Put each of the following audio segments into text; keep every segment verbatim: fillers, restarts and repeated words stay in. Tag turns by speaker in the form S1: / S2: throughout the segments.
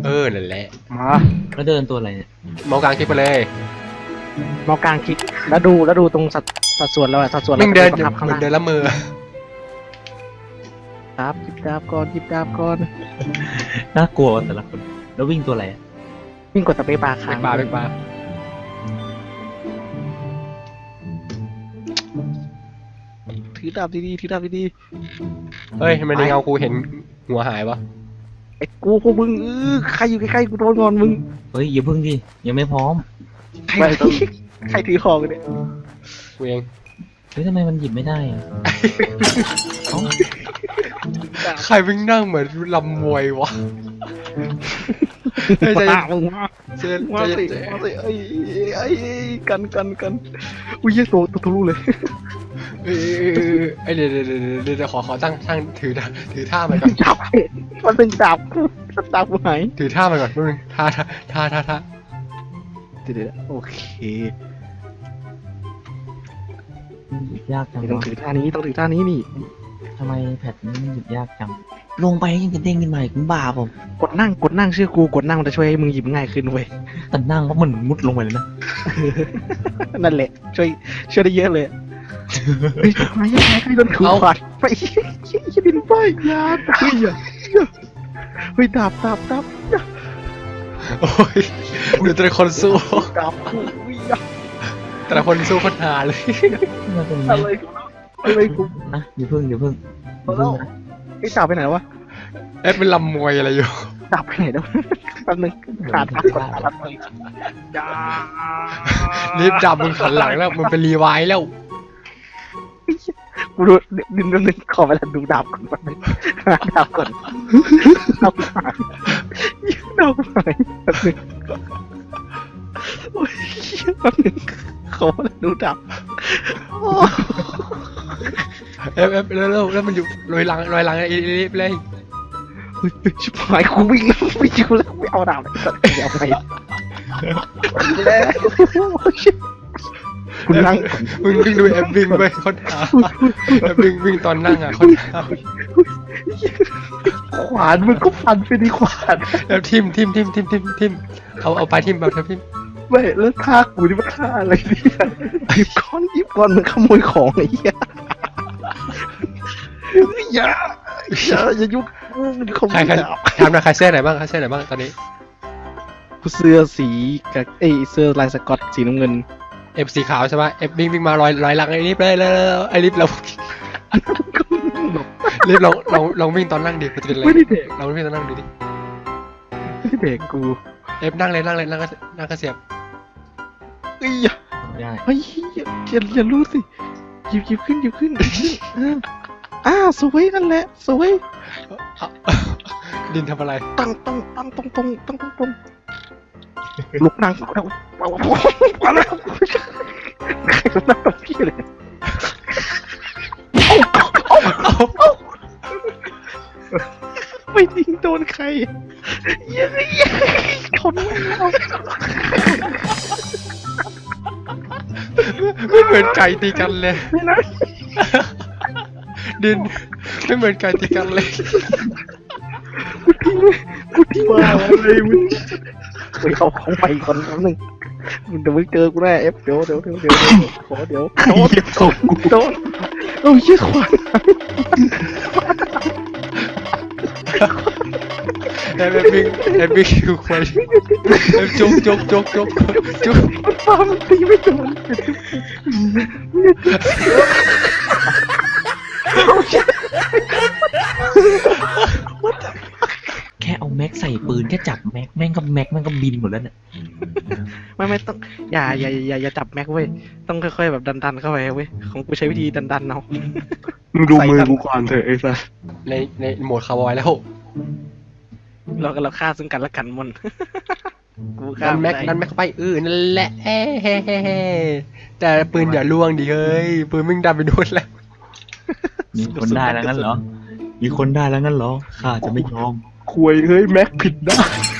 S1: เออนั่นแหละ
S2: มา
S3: แล้วเดินตัวอะไรเนี่ย
S1: มองกลางคลิปไปเลย
S2: มองกลางคลิกแล้วดูแล้วดูตรงสัดสัดส่วนเราอะสัดส่วนเรา
S1: มึงเดิน
S2: ประทับข้าง
S1: มึง
S2: ล่าง
S1: เดินละมือ
S2: ครับหยิบดาบก่อนหยิบดาบก่อน
S3: น่ากลัวแต่ละคนแล้ววิ่งตัวอะไรอะ
S2: วิ่งกดสเปซบาร์
S1: เป็
S2: ค้าง
S1: กปลาเป็นปลา
S2: ถือดาบดีๆถือดาบดี
S1: เฮ้ยทำไมในเงากูเห็นหัวหายวะ
S2: ๆไอ้กูพวกมึงเออใครอยู่ใกล้ๆกูโดนงอนมึง
S3: เฮ้ยอย่าพึ่งดิยังไม่พร้อม
S2: ใครใครถือของกันเนี่ย
S1: กูเอง
S3: เฮ้ยทำไมมันหยิบไม่ได้อะเอ้า
S1: ใครวิ่งนั่งเหมือนลำมวยวะเฮ้ยใจ
S2: มา
S1: เย็น
S2: มึงมา
S1: ใจเย็น
S2: มา
S1: ใจ
S2: สิ
S1: เย็น
S2: มาสิไอ้ไอ้กันกันกันอุ้ยเหี้ยตัวตัวทะลุเลย
S1: เอ้ยเอ้ยเดี๋ยวเดี๋ยวเดี๋ยวเดี๋ยวขอขอตั้งตั้งถือถือท่ามันก่อน
S2: จับมันเป็นจับจับกูหาย
S1: ถือท่ามันก่อนแป๊บนึงท่าท่าท่าท่าท่า
S2: เดี๋ยวๆโอเค
S3: มันหยิบยากจัง
S2: ต้อง
S3: วะ
S2: ถือท่านี้ต้องถือท่านี้นี่
S3: ทำไมแพทนี้มันหยิบยากจังลงไปยังจะเด้งขึ้นมาอีกมึงบ้าเปล่าก
S2: ดนั่งกดนั่งเชื่อกูกดนั่งมันจะช่วยให้มึงหยิบง่ายขึ้นเว้ย
S3: แต่นั่งแล้วมันมุดลงไปเลยนะ
S2: นั่นแหละช่วยช่วยได้เยอะเลยเฮ้ยทำไมยังไงใครโดนถูกขวาดไปยี่บินไปยาตายอ่ะเฮ้ยดาบดาบดาบ
S1: โอ้ยเดี๋ยวแต่ละคนสู้
S2: ดาบอุ้ย
S1: แต่ละคนสู้โคนหาเลย
S3: มันเป็น
S2: อะไรอะไรกู
S3: นะอย่าพึ่งอย่าพึ่งอย่าพึ่งนะ
S2: ไอ้ดาบไปไหนวะ
S1: เอ๊ะเป็นลำมวยอะไรอยู่
S2: ดาบไปไหนแล้วแป๊บนึงขาดดาบก่อนขาดดาบก่อนยา
S1: รีบจับมึงขันหลังแล้วมึงเป็นรีไวล์แล้ว
S2: กูดูดินนิดนึงขอเวลาดูดาบก่อนแป๊บนึงขาดดาบก่อนดาบหายดาบหายแป๊บนึงโอ้ยแป๊บนึงขอเวลาดูดาบ
S1: เอ๊ะเอ๊ะแล้วแล้วแล้วมันอยู่ลอยหลังลอยหลังไอ้รีบเลย
S2: ชิบหายกูวิ่งแล้วไม่อยู่แล้วไม่เอาดาบเลยสัตว์เดี๋ยวไปแล้วคุณนั่ง
S1: มึงวิ่งดูแอปวิ่งไปคนหาแอปวิ่งวิ่งตอนนั่งอ่ะคนหา
S2: ขวานมึงก็ฟันไปดีขวาน
S1: แล้วทิมทิมทิมทิมทิมทิมเอาเอาไปทิมเอาเถอะทิม
S2: ไม่แล้วท่ากูนี่มันท่าอะไรเนี่ยหยิบก้อนหยิบก้อนมันขโมยของไอ้เหี้ยอย่าอย่าอย่ายุ่งมึงขโม
S1: ใคร
S2: ย
S1: ใคร
S2: ดาบ
S1: ทำนะใครเสื้อไหนบ้างใครเสื้อไหนบ้างตอนนี้
S2: กูเสื้อสีกับเอ้ยเสื้อลายสก๊อตสีน้ำเงิน
S1: เอฟสีขาวใช่ไหมเอฟวิ่งวิ่งมาลอยลอยหลังไอ้รีบเลยเลยไอ้รีบเรารีบลองลองลองวิ่งตอนนั่งดิมันจะเป็นอะไร
S2: ไม่ได้เด็ก
S1: ลองวิ่งตอนนั่งดูดิ
S2: ไม่ได้เด็กกู
S1: เอฟนั่งเลยนั่งเลยนั่งก็นั่งก็เสียบ
S2: เอ้ย
S3: ไม่ได้
S2: เฮ้ยอย่าอย่าอย่ารู้สิหยิบหยิบขึ้นหยิบขึ้นหยิบขึ้นอ่าอ่าสวยนั่นแหละสวย
S1: เอาดินทำอะไร
S2: ตั้งตั้งตั้งตรงตรงตั้งตรงตรงลุกนั่งแล้วมาแล้วใครมานั่งตรงพี่เลยไม่ยิงโดนใครเย้ยเขาไม่เอา
S1: ไม่เหมือนไก่ตีกันเลย
S2: ไม่นะ
S1: ดินไม่เหมือนไก่ตีกันเลย
S2: กูทิ้งมาอะไรมึงไปเอาของไปก่อนแป๊บนึงมึงเดี๋ยวมึงเจอกูแน่เอฟเดี๋ยวเดี๋ยวเดี๋ยวเดี๋ยวขอเดี๋ยวโดนโดนโอ้ยยี่ขวาน
S1: เอฟวิ่งเอฟวิ่งคือควายเอฟจุกจุกจุกจุกจุก
S2: มันฟามันตีไม่โดน
S3: แค่เอาแม็กใส่ปืนแค่จับแม็กแม่งก็แม็กแม่งก็บินหมดแล้วเนี่ย
S2: ไม่ไม่ต้องอย่าอย่าอย่าอย่าจับแม็กเว้ยต้องค่อยๆแบบดันๆเข้าไปเว้ยของกูใช้วิธีดันๆเอา
S4: มึงดูมือกูก่อนเถอะไอ้สัส
S1: ในในโหมดคาร์บอยแล้ว
S2: เราก็เราฆ่าซึ่งกันและกันมันกูฆ่า
S1: นั่นแม็กนั่นแม็กเข้าไปเออนั่นแหละเฮ้เฮ้เฮ้เฮ้แต่ปืนอย่าล่วงดิเฮ้ยปืนมึงดันไปโดนแล้ว
S3: มีคนได้แล้วงั้นเหรอมีคนได้แล้วงั้นเหรอข้าจะไม่ยอม
S4: ควยเฮ้ยแม็กผิดได้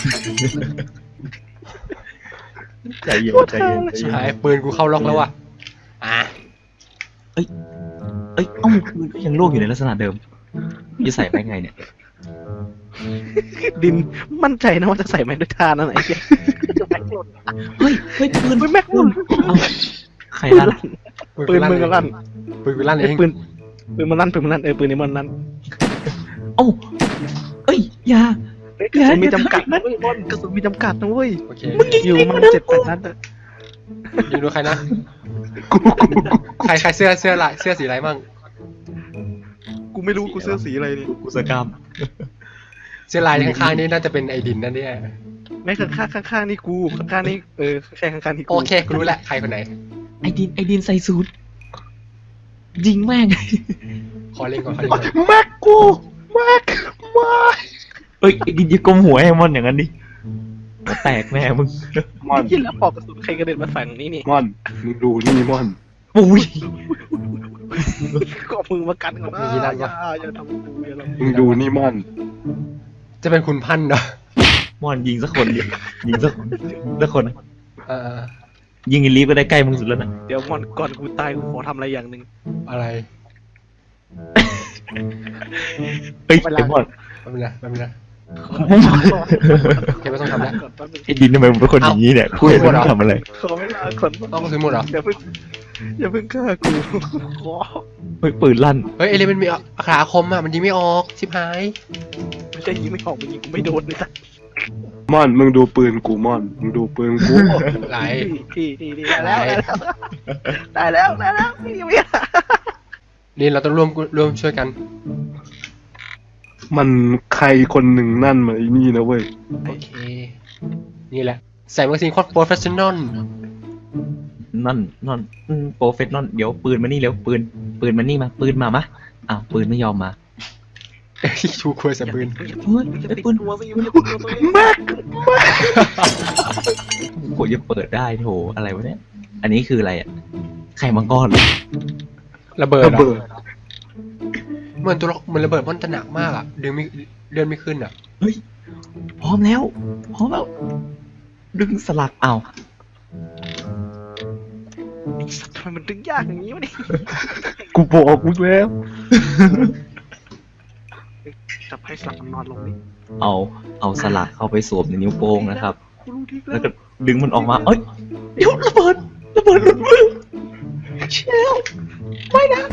S4: ใจเย็นใจเย็นใจ
S1: ใช่
S4: เย็น
S1: ปืนกูเข้าล็อกแล้วว่ะอ่ะ
S3: เอ้ยเอ้าปืนก็ยังโลกอยู่ในลักษณะเดิมจะใส่ไปไงเนี่ย
S2: ดินมั่นใจนะว่าจะใส่แม็กด้วยท่านั่นไหนเหี้ยจะแม็กหล่น
S3: เฮ้ยเฮ้ยปืน
S2: เฮ้ยแม็กหล่น
S3: เอาใครลั่น
S2: ปืนมึงก็ลั่น
S1: ปืนกูลั่นเอ
S2: ไอ้
S1: ง
S2: ปืนปืนมันลั่นปืนมันลั่นเออปืนนี้มันลั่น
S3: เอ้าเอ้ยอยา
S2: เฮ้ยกระสุนมีจำกัดนะเว้ยบอลกระสุนมีจำกัดนะเว้ย
S1: โอเค
S2: อยู่มาเจ็ดแปดนัดอะ
S1: ยิงดูใครนะ
S4: กูกูกู
S1: ใครใครเสื้อเสื้อลายเสื้อสีอะไรมั่ง
S2: กูไม่รู้กูเสื้อสีอะไรเนี่ย
S3: กูสกรรม
S1: เสื้อลายข้างๆนี่น่าจะเป็นไอดินนั่นเนี่ย
S2: แม่ข้างข้างข้างๆนี่กูข้างข้างๆนี่เออใช่ข้างข้างๆนี่กู
S1: โอเคกูรู้แหละใครคนไหน
S3: ไอดินไอดินใส่สูทยิงแม่ง
S1: ขอเล่นก่อนขอเล่นก่อน
S4: แม็กกูแม็กไม่
S3: เอ้ยไอดินอย่ากลมหัวให้มอนอย่างนั้นดิหัวแตกแม่มึง
S4: มอน
S2: ยินแล้วปอกกระสุนใครกระเด็นมาฝั่งนี้นี่
S4: มอนมึงดูนี่มอน
S3: ปุ้ย
S2: ก็เอามือมากันก่อนนะอย่าอย่าทำกูอย่าทำ
S4: มึงดูนี่มอน
S1: จะเป็นคุณพันธุ์เหรอ
S3: มอนยิงสักคนดิยิงสักสักคน
S1: เออ
S3: ยิงไอลีฟก็ได้ใกล้มึงสุดแล้วนะ
S2: เดี๋ยวมอนก่อนกูตายกูขอทำอะไรอย่างหนึ่ง
S1: อะไร
S3: เฮ้ยไอมอน
S1: ไม่เป็นไรไม่เป็นไร
S3: มอน
S1: โอเคไม่ต้องทำแล้ว
S2: ก่อนแป๊บนึง
S3: ไอดินทำไมมึงเป็นคนอย่างนี้เนี่ยกูเห็นมึงทำอะไร
S2: ขอเวลาก่อน
S1: ต้องซื้อหมดเหรอ
S2: อย่าเพิ่งอย่าเพิ่งฆ่ากูขอ
S3: เฮ้ยปืนลั่น
S1: เฮ้ยเอเลมันมีขาคมอ่ะมันยิงไม่ออกชิบหาย
S2: ไม่ใช่ยิงไม่ออกมันยิงกูไม่โดนเลยจ้ะ
S4: มอนมึงดูปืนกูมอนมึงดูปืนกู
S1: ไหล
S2: ที่ที่ที่ได้แล้วได้แล้วได้แล้วได้แล้วไม่ได้
S1: นี่เราต้องร่วมร่วมช่วยกัน
S4: มันใครคนหนึ่งนั่นมาไอ้นี่นะเว้ย
S1: โอเค นี่แหละ ใส่แมกกาซีนโคตรโปรเฟชชั่นอล
S3: นั่นนั่นโปรเฟสนอลเดี๋ยวปืนมานี่เร็วปืนปืนมานี่มาปืนมามะอ้าวปืนไม่ยอมมา
S1: ชูควยใส่ปืน
S3: เฮ้ย
S2: จะ
S3: ไอ้
S2: ติด
S3: ปืน
S2: ตัวสิมันจะติดตัวตัวเอง
S4: แม็ก
S3: โหจะเปิดได้โถอะไรวะเนี่ยอันนี้คืออะไรอ่ะไข่มังกรเหรอ
S1: ระเบิด
S4: ระ
S1: เหรอ
S4: เบิด
S1: เหมือนตัวละเหมือนระเบิดมันจะหนักมากอ่ะดึงไม่เลื่อนไม่ขึ้นอ่ะ
S3: พร้อมแล้วพร้อมแล้วดึงสลักอ้าว
S2: ไอ้สัตว์ทำไมมันดึงยากอย่างนี้วะเนี่ย
S4: กูบอกมึงแล้ว
S2: จับให้สลับมันนอนลงนี่
S3: เอาเอาสลักเข้าไปสวมในนิ้วโป้งนะครับ
S2: กูรู้ที่
S3: แล้วก็ดึงมันออกมาเอ้ยเดี๋ยวระเบิดระเบิดหลุดมือเชลไม่นะ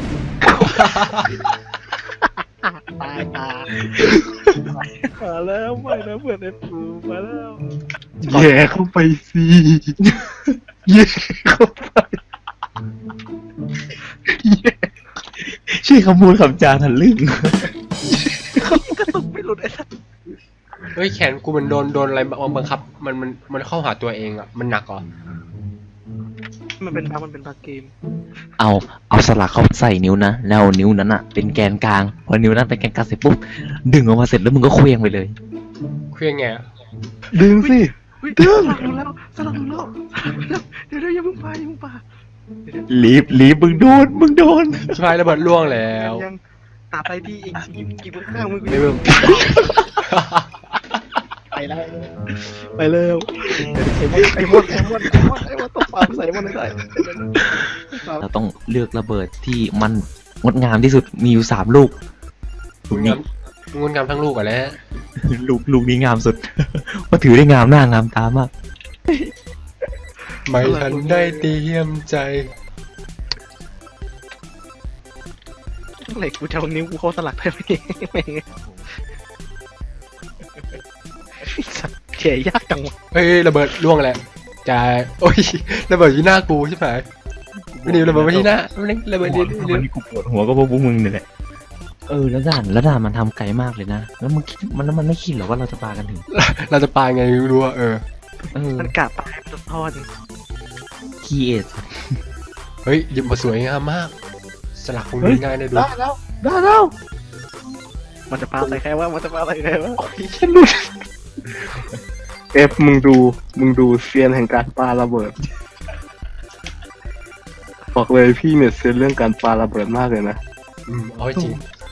S2: ตายตายมาแล้วไม่นะเพื่อนไอ้ปูมาแล้ว
S4: แย่เข้าไปสิแย่เข้าไปแย่
S3: ชื่อคำพูดคำจาทันลึ่ง
S2: กระตุกไม่หลุดไอ้สัตว์
S1: เฮ้ยแขนกูมันโดนโดนอะไรบังคับ มันมันมันเข้าหาตัวเองอ่ะมันหนักเหรอ
S2: มันเป็นบางมันเป็นบางเกม
S3: เอาเอาสลักเข้าใส่นิ้วนะแล้วนิ้วนั้นอ่ะเป็นแกนกลางพอนิ้วนั้นเป็นแกนกลางเสร็จปุ๊บดึงออกมาเสร็จแล้วมึงก็เคว้งไปเลย
S1: เครื่องไงอะ
S4: ดึงสิ
S2: เฮ้ยสลับดูแล้วสลับดูแล้วเดี๋ยวเดี๋ยวอย่าเพิ่งไปอย่าเพิ่งไป
S3: ลีบลีบมึงโดนมึงโดน
S1: ชิบหายระเบิดล่วงแล้ว
S2: ยังตาไปที่อีกกี่กี่มือข้างมึง
S1: ไม่เบิ่ม
S2: ไปแล้วไปแล้วไอ้มดไอ้มดไอ้มดไอ้มดตบปากใส่มดได้
S3: เราต้องเลือกระเบิดที่มันงดงามที่สุดมีอยู่สามลูกลูก
S1: ง
S3: นี้
S1: ามงดงามทั้งลูกอ่ะแล้ว
S3: ลูกลูกนี้งามสุด เพราะถือได้งามหน้างามตามาก
S1: ไม่ทันได้เตรียมใจ
S2: เหล็กกูจะเอานิ้วกูเข้าสลักได้ไหมแม่งเขียยากจังวะ
S1: เฮ้ยระเบิดล่วงแหละจะโอ้ยระเบิดที่หน้ากูใช่ไหมไม่ดีระเบิดไปที่หน้าไม่ได้ระเบิดที่
S3: วันนี้กูปวดหัวก็เพราะพวกมึงเนี่ยแหละเออแล้วด่านแล้วด่านมันทำไกลมากเลยนะแล้วมึงคิดมันแล้วมันไม่คิดหรอว่าเราจะปากันถึง
S1: เราจะปาไงไม่รู้อ่ะเออ
S3: เออ
S2: มันกะตายมันจะทอด
S3: คีเอท
S1: เฮ้ยหยิบมาสวยงามมาก สลักคงดูง่ายเลยดู
S2: ได้แล้วได้แล้วมันจะปาใส่ใครวะมันจะปาใส่ใครวะ
S4: เอฟมึงดูมึงดูเซียนแห่งการปาระเบิดบอกเลยพี่เนี่ยเซียนเรื่องการปาระเบิดมากเลยนะ
S1: อืมเอาให้จริง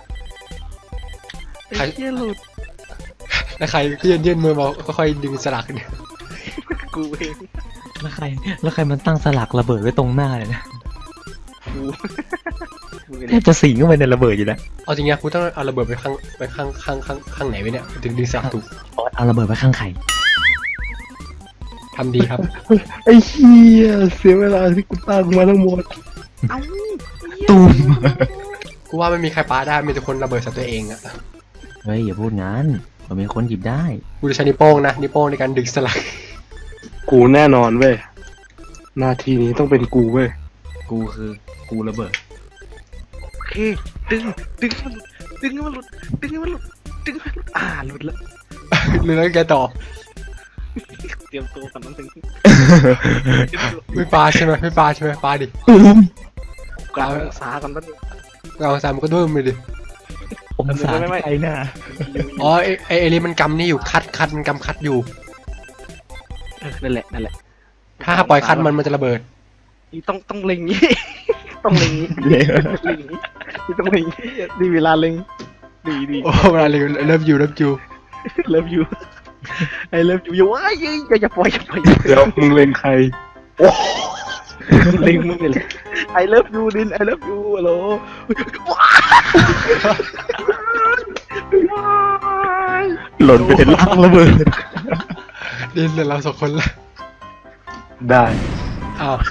S2: ไอ้เหี้ยหลุด
S1: แล้วใครก็ยืนยืนมือมาค่อยๆดึงสลักเนี่ย
S2: กูเอง
S3: แล้วใครแล้วใครมันตั้งสลักระเบิดไว้ตรงหน้าเลยนะ
S2: กู
S3: แทบจะสิงเข้าไปในระเบิดอยู่แล้ว
S1: เอาจริงๆกูต้องเอาระเบิดไปข้างไปข้างข้างข้างข้างไหนไว้เนี่ยถึงดึงสลักถูก
S3: เอาระเบิดไปข้างไข่
S1: ทำดีครับ
S4: ไอ้เหี้ยเสียเวลาที่กูตั้งมาทั้งหมด
S2: เอ้า
S3: ตูม
S1: กูว่าไม่มีใครปาได้มีแต่คนระเบิดใส่ตัวเองอะ
S3: เฮ้ยอย่าพูดงั้นมันมีคนหยิบได้
S1: กูจะใช้นิ้วโป้งนะนิ้วโป้งในการดึงสลัก
S4: กูแน่นอนเว้ยหน้าที่นี้ต้องเป็นกูเว้ย
S3: กูคือกูระเบิด
S2: โอเคดึงดึงให้มันหลุดดึงให้มันหลุดดึงให้มันหลุดดึงให้มันหลุดอ่าหลุดแล้ว
S1: หรือแล้วแกต่อ
S2: เตรียมตัวกันนั่นถึง
S1: ไม่ปาใช่ไหมไม่ปาใช่ไหมปาดิ
S3: ตูม
S2: กลางองศากันนั่นง
S1: เราสามมันก็ด้วยมือดิ
S3: องศา
S2: ไม่ไม่
S3: ไข่หน้า
S1: อ๋อไอไอไอรีมันกำนี่อยู่คัดคัดมันกำคัดอยู่
S2: เออนั่นแหละนั่นแหละ
S1: ถ้าปล่อยคัดมันมันจะระเบิด
S2: นี่ต้องต้องเล็งนี้ ต้องเล็งนี้
S3: เลย
S2: เล็งนี้นี่ต้องเล็งนี้ดีเวลาเล็งดีดี
S1: โอ้เวลาเรียนเริ่มอยู่เริ่มอยู่
S2: เลิฟยูไอเลิฟยูอย่าว่าอย่าอย่าอย่าปล่อยอย่าปล่อย
S4: เดี๋ยวมึงเล็งใคร
S2: เล็งมึงเลยไอเลิฟยูดินไอเลิฟยูฮัลโหลว้าย
S3: หล่นไปในล่างระเบิด
S1: ดินเหลือเราสองคนละ
S4: ได้
S1: อ้าว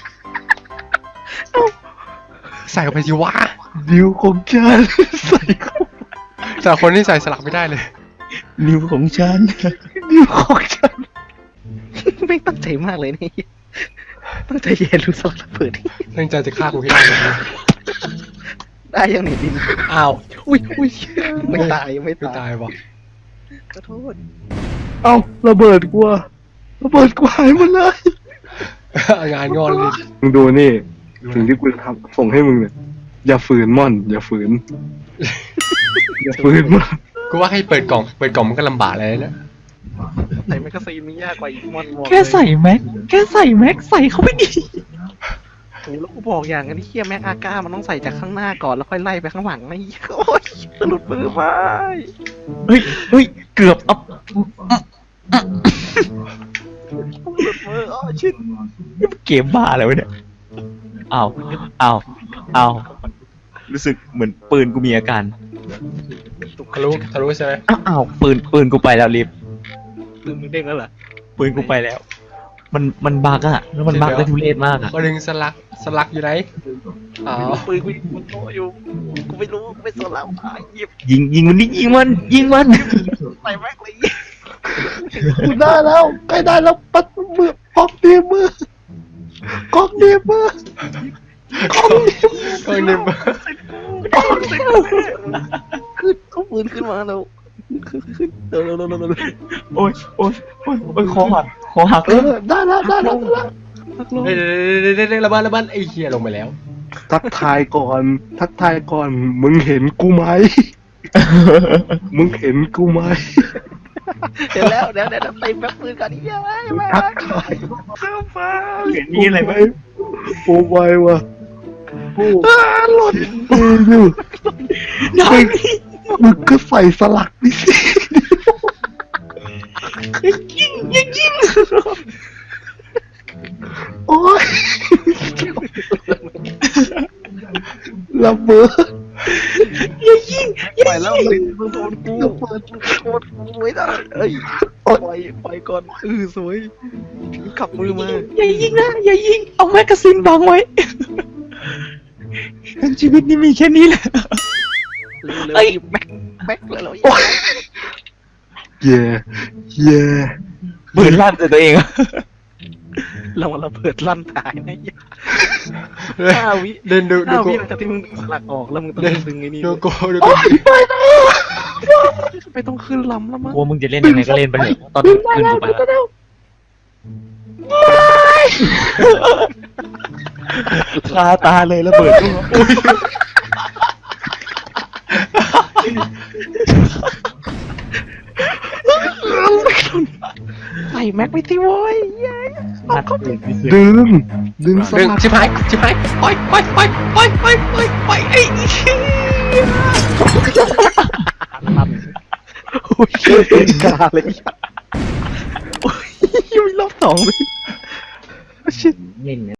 S1: ใส่เข้าไปสิวะ
S4: ดิวของฉันใส่เข้า
S1: แต่คนที่ใส่สลักไม่ได้เลย
S3: นิ้วของฉัน
S4: ดิวของฉัน
S2: ไม่ตั้งใจมากเลยนี่ตั้งใจเย็นรู้สลักระเบิด
S1: ตั้งใจจะฆ่ากูให้ได้เลย
S2: ได้ยังไหนดิน
S1: อ้าว
S2: อุ้ยอุ้ยไม่ตายไม่
S1: ไม่
S2: ตาย
S1: ตายวะ
S2: ขอโทษ
S4: เอ้าระเบิดกูอะระเบิดกูหายหมดเลย
S1: งานงอนเลย
S4: มึงดูนี่สิ่งที่กูจะทำส่งให้มึงเนี่ยอย่าฝืนม่อน อย่าฝืน อย่าฝืนม่อน
S1: กูว่าให้เปิดกล่องเปิดกล่องมันก็ลำบากเลยนะ
S2: ใส่แมกกาซีนมันยากกว่าอีกมอนวอล
S3: แค่ใส่แม็กแค่ใส่แม็กใส่เข้าไปดิ
S2: โอ้แล้วกูบอกอย่างนั้นที่เฮียแม็กอาก้ามันต้องใส่จากข้างหน้าก่อนแล้วค่อยไล่ไปข้างหลังไอ้โอ้ยสะดุดมือไป
S3: เฮ้ยเฮ้ยเกือบอัพ
S2: สะดุดมืออ๋อชิด
S3: เกมบ้าแล้วะเนี่ยอ้าวอ้าวอ้าวรู้สึกเหมือนปืนกูมีอาการ
S1: ทะลุทะลุใช่ไหม
S3: อ้าวอ้าวปืนปืนกูไปแล้วลิฟ
S2: มือมึงเด้งแล้วเหรอ
S3: ปืนกูไปแล้ว มันมันบักอะแล้วมันบักได้ทุเรศมากอะ
S1: มาดึงสลักสลักอยู่ไหนอ๋อ
S2: ปืนกูอยู่บนโต๊ะอยู่กูไม่รู้กูไม่สนแล้วอ่ะหยิบ
S3: ยิงยิงมันนี่ยิงมันยิงมัน
S2: ใส่แม็กเลย
S4: กูได้แล้วใกล้ได้แล้วปัดมือออกเดียมือกอกเดียมือ
S1: ก็เนี่ย
S2: ขึ้นเอาปืนขึ้นมาแล้วขึ้นขึ้นเร็วเร็วเร็วเร็วเร็ว
S3: โอ้ยโอ้ยโอ้ยโอ้ยคอหักคอหัก
S4: เออได้แล้วได้แล้วได้แล้ว
S2: พักลง
S1: เดี๋ยวเดี๋ยวเดี๋ยวเดี๋ยวระเบิดระเบิดไอ้เหี้ยลงไปแล้ว
S4: ทักทายก่อน ทักทายก่อน มึงเห็นกูไหม มึงเห็นกูไหม
S2: เดี๋ยวแล้วเดี๋ยวเดี๋ยวเต็มแม็กปืนก่อนนี่ยังไงแม็
S4: ทัก
S2: ก
S4: ทาย
S2: เข้ามา
S3: เห็นนี่อะไรไหม
S4: โอ้ไวว่ะโอ้หล่นเอออยู่
S3: ได้
S4: มึงก็ใส่สลักดิสิ
S3: ยิงยิงยิง
S4: โอ้ยระเบิด
S3: อย่ายิง
S2: ไปแล้วมึงมึงโดนกูมึงโดนกูไม่ได้เอ้ยปล่อยปล่อยก่อนเออสวยขับมือมา
S3: อย่ายิงนะอย่ายิงเอาแมกกาซีนบังไว้ทั้งชีวิตนี้มีแค่นี้แหละ
S2: เร็ว
S3: เอ้ย
S2: ๆหยิบแม็กแม็กเลยเหรอ
S4: เย่เย่
S3: ปืนลั่นใส่ตัวเองอะ
S2: เรามาระเบิดลั่นตายนะเหี้ยห้าวิ
S1: เดินดูดู
S2: ห้า
S1: กู
S2: วิหลังจากที่มึงดึงสลักออกแล้วมึงต้องดึงไอ้นี่
S1: ดู
S2: ด้วย
S1: กูดูกู
S2: ไม่ต้องขึ้นลำแล้วมั้ง
S3: กลัวมึงจะเล่นยังไงก็เล่นไปเถอะตอนนี้คืนกูไปแล้วคาตาเลยระเบิดกู
S2: ใส่แม็กไปที่โว้ยเย้
S3: นัดเองที่สุด
S4: ดึง ดึงส
S1: ดึง
S4: ลัก
S1: ชิบหายชิบหายปล่อยปล่อยปล่อยปล่อยปล่อยปล่อยปล่อยไอ้เหี้ย
S2: ลั่นโอ้ยเป็นกาเลยโอ้ยยังมีรอบสองเลยชิ
S3: เล่น